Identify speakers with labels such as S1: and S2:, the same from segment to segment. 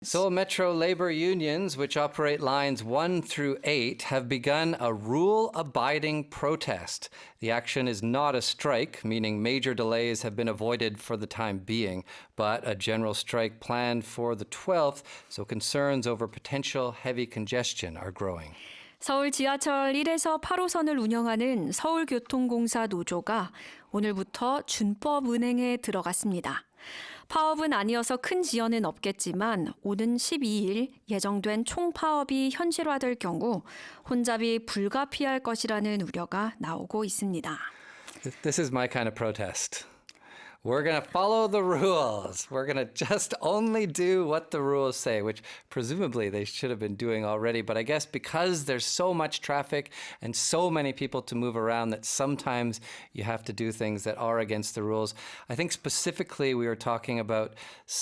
S1: Seoul Metro labor unions, which operate lines 1 through 8, have begun a rule-abiding protest. The action is not a strike, meaning major delays have been avoided for the time being, but a general strike planned for the 12th, so concerns over potential heavy congestion are growing.
S2: 서울 지하철 1에서 8호선을 운영하는 서울교통공사 노조가 오늘부터 준법 운행에 들어갔습니다. 파업은 아니어서 큰 지연은 없겠지만 오는 12일 예정된 총파업이 현실화될 경우 혼잡이 불가피할 것이라는 우려가 나오고 있습니다.
S1: This is my kind of protest. We're going to follow the rules. We're going to just only do what the rules say, which presumably they should have been doing already. But I guess because there's so much traffic and so many people to move around that sometimes you have to do things that are against the rules. I think specifically we were talking about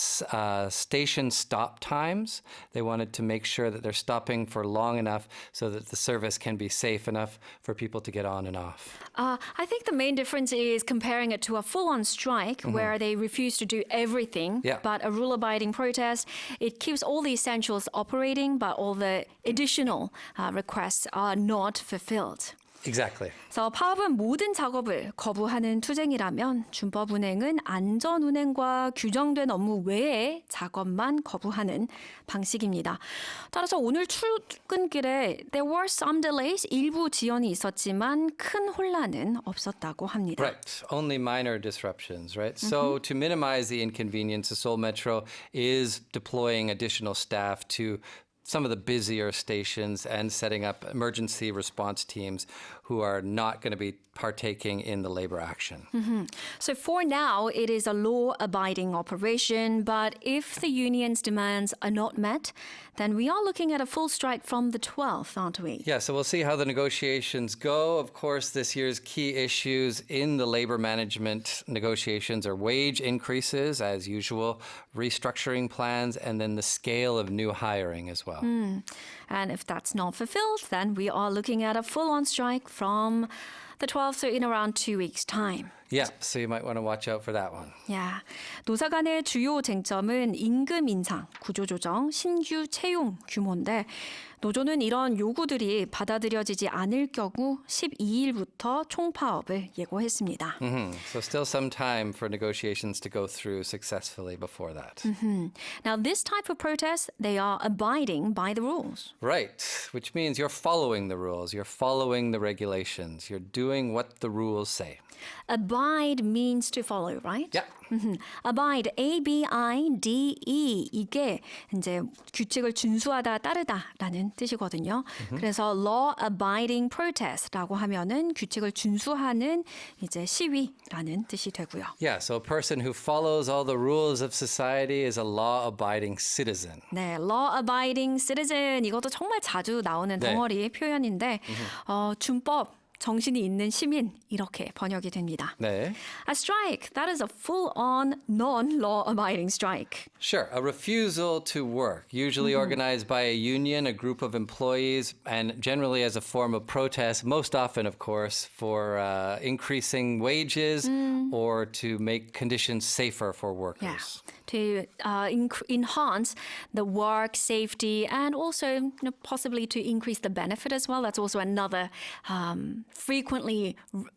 S1: station stop times. They wanted to make sure that they're stopping for long enough so that the service can be safe enough for people to get on and off.
S2: I think the main difference is comparing it to a full-on strike where they refuse to do everything, but a rule-abiding protest, it keeps all the essentials operating, but all the additional requests are not fulfilled.
S1: Exactly.
S2: 그래서 파업은 모든 작업을 거부하는 투쟁이라면 준법 운행은 안전 운행과 규정된 업무 외의 작업만 거부하는 방식입니다. 따라서 오늘 출근길에 there were some delays, 일부 지연이 있었지만 큰 혼란은 없었다고 합니다.
S1: Right. Only minor disruptions, right? So to minimize the inconvenience, the Seoul Metro is deploying additional staff to some of the busier stations and setting up emergency response teams who are not going to be partaking in the labor action.
S2: So for now, it is a law-abiding operation, but if the union's demands are not met, then we are looking at a full strike from the 12th, aren't we?
S1: Yeah, so we'll see how the negotiations go. Of course, this year's key issues in the labor management negotiations are wage increases, as usual, restructuring plans, and then the scale of new hiring as well.
S2: And if that's not fulfilled, then we are looking at a full-on strike from the 12th, so in around 2 weeks' time.
S1: Yeah, so you might want to watch out for that one.
S2: Yeah. 노사 간의 주요 쟁점은 임금 인상, 구조조정, 신규 채용 규모인데 노조는 이런 요구들이 받아들여지지 않을 경우 12일부터 총파업을 예고했습니다.
S1: So still some time for negotiations to go through successfully before that.
S2: Now, this type of protest, they are abiding by the rules.
S1: Right, which means you're following the rules, you're following the regulations, you're doing what the rules say.
S2: Abide means to follow, right?
S1: Yeah.
S2: Abide, A-B-I-D-E. 이게 이제 규칙을 준수하다, 따르다라는 뜻이거든요. 그래서 law-abiding protest라고 하면은 규칙을 준수하는 이제 시위라는 뜻이 되고요.
S1: Yeah, so a person who follows all the rules of society is a law-abiding citizen.
S2: 네, law-abiding citizen 이것도 정말 자주 나오는 덩어리 표현인데 준법 정신이 있는 시민 이렇게 번역이 됩니다.
S1: 네.
S2: A strike, that is a full-on non-law-abiding strike.
S1: Sure, a refusal to work, usually organized by a union, a group of employees, and generally as a form of protest, most often, of course, for increasing wages or to make conditions safer for workers.
S2: Yeah. To enhance the work safety and also possibly to increase the benefit as well. That's also another frequently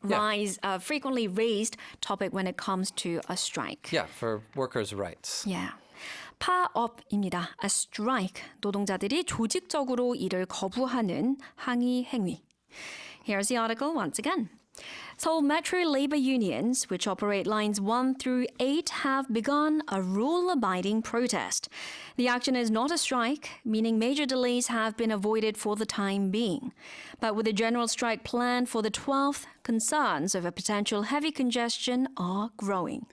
S2: raised topic when it comes to a strike.
S1: Yeah, for workers' rights.
S2: Yeah. 파업입니다. A strike. 노동자들이 조직적으로 일을 거부하는 항의 행위. Here's the article once again. Seoul Metro labor unions, which operate lines 1 through 8, have begun a rule-abiding protest. The action is not a strike, meaning major delays have been avoided for the time being. But with a general strike planned for the 12th, concerns over potential heavy congestion are growing.